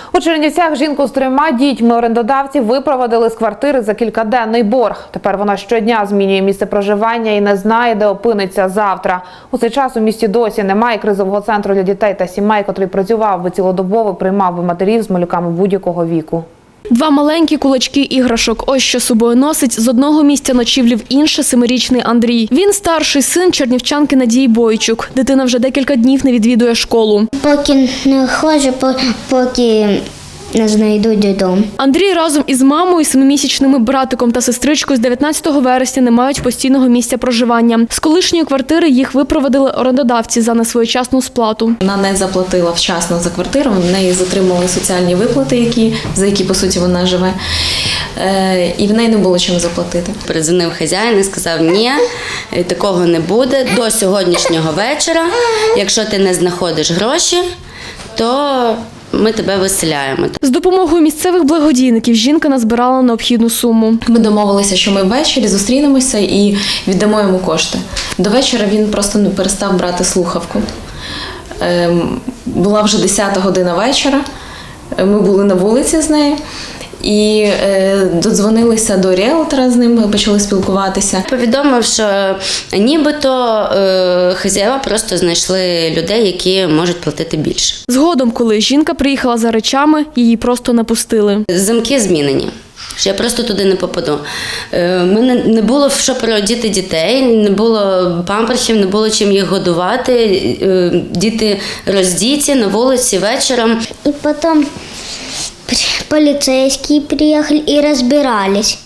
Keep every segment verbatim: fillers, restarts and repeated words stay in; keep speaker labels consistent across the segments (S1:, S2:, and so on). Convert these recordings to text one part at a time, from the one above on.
S1: У Чернівцях жінку з трьома дітьми орендодавці випровадили з квартири за кількаденний борг. Тепер вона щодня змінює місце проживання і не знає, де опиниться завтра. У цей час у місті досі немає кризового центру для дітей та сімей, котрий працював би цілодобово, приймав би матерів з малюками будь-якого віку.
S2: Два маленькі кулачки іграшок. Ось що собою носить з одного місця ночівлі в інше семирічний Андрій. Він старший син чернівчанки Надії Бойчук. Дитина вже декілька днів не відвідує школу.
S3: Поки не ходжу, поки не знайду додому.
S2: Андрій разом із мамою, семимісячними братиком та сестричкою з дев'ятнадцятого вересня не мають постійного місця проживання. З колишньої квартири їх випровадили орендодавці за несвоєчасну сплату.
S4: Вона не заплатила вчасно за квартиру, в неї затримали соціальні виплати, які, за які, по суті, вона живе. Е, і в неї не було чим заплатити.
S5: Передзвонив хазяїн і сказав, ні, такого не буде до сьогоднішнього вечора. Якщо ти не знаходиш гроші, то ми тебе виселяємо.
S2: З допомогою місцевих благодійників жінка назбирала необхідну суму.
S4: Ми домовилися, що ми ввечері зустрінемося і віддамо йому кошти. До вечора він просто ну, перестав брати слухавку. Ем, була вже десята година вечора, ми були на вулиці з нею. І е, додзвонилися до ріелтора з ним, почали спілкуватися.
S5: Повідомив, що нібито е, хазяїва просто знайшли людей, які можуть платити більше.
S2: Згодом, коли жінка приїхала за речами, її просто не пустили.
S5: Замки змінені. Що я просто туди не попаду. Е, мене не було в що переодіти дітей, не було памперсів, не було чим їх годувати. Е, діти роздіті на вулиці вечором.
S3: І потім полицейские приехали и разбирались.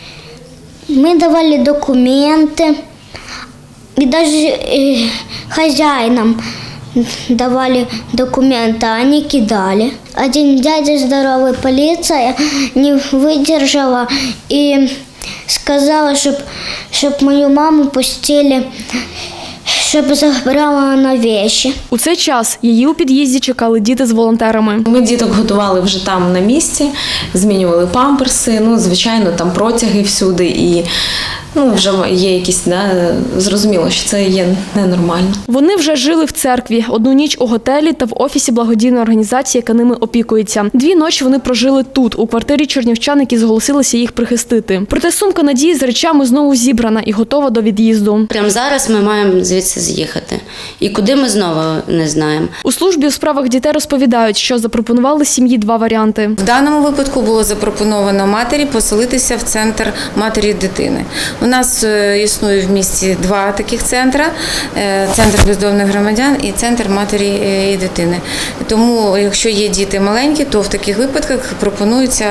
S3: Мы давали документы, и даже э, хозяинам давали документы, они кидали. Один дядя здоровый, полиция не выдержала и сказала, чтоб, чтоб мою маму пустили, щоб забрала на вещи.
S2: У цей час її у під'їзді чекали діти з волонтерами.
S4: Ми діток готували вже там на місці, змінювали памперси, ну, звичайно, там протяги всюди і ну, вже є якісь, да, зрозуміло, що це є ненормально.
S2: Вони вже жили в церкві, одну ніч у готелі та в офісі благодійної організації, яка ними опікується. Дві ночі вони прожили тут, у квартирі чернівчан, які зголосилися їх прихистити. Проте сумка Надії з речами знову зібрана і готова до від'їзду.
S5: Прямо зараз ми маємо звідси з'їхати. І куди ми знову не знаємо.
S2: У службі у справах дітей розповідають, що запропонували сім'ї два варіанти.
S6: В даному випадку було запропоновано матері поселитися в центр матері і дитини. У нас існує в місті два таких центри – центр бездомних громадян і центр матері і дитини. Тому, якщо є діти маленькі, то в таких випадках пропонується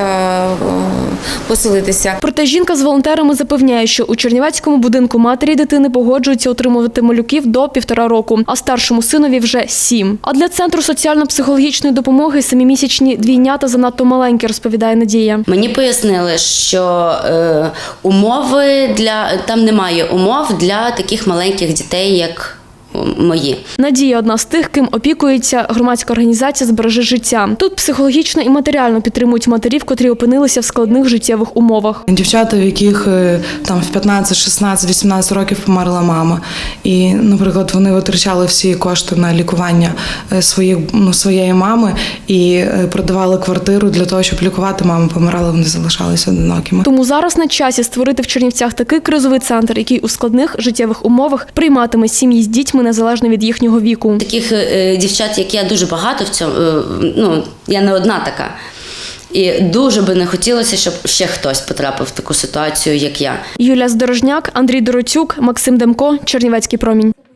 S6: поселитися.
S2: Проте жінка з волонтерами запевняє, що у чернівецькому будинку матері і дитини погоджуються отримувати малюків до півтора року, а старшому синові вже сім. А для центру соціально-психологічної допомоги семимісячні двійнята занадто маленькі, розповідає Надія.
S5: Мені пояснили, що е, умови для там немає умов для таких маленьких дітей, як мої.
S2: Надія – одна з тих, ким опікується громадська організація «Збережи життя». Тут психологічно і матеріально підтримують матерів, котрі опинилися в складних життєвих умовах.
S7: Дівчата, в яких там в п'ятнадцять, шістнадцять, вісімнадцять років померла мама. І, наприклад, вони витрачали всі кошти на лікування своїх, ну, своєї мами і продавали квартиру для того, щоб лікувати маму. Помирали, вони залишалися одинокими.
S2: Тому зараз на часі створити в Чернівцях такий кризовий центр, який у складних життєвих умовах прийматиме сім'ї з дітьми незалежно від їхнього віку.
S5: Таких е, дівчат, як я, дуже багато в цьому, е, ну, я не одна така. І дуже би не хотілося, щоб ще хтось потрапив в таку ситуацію, як я.
S2: Юлія Здорожняк, Андрій Доротюк, Максим Демко, Чернівецький промінь.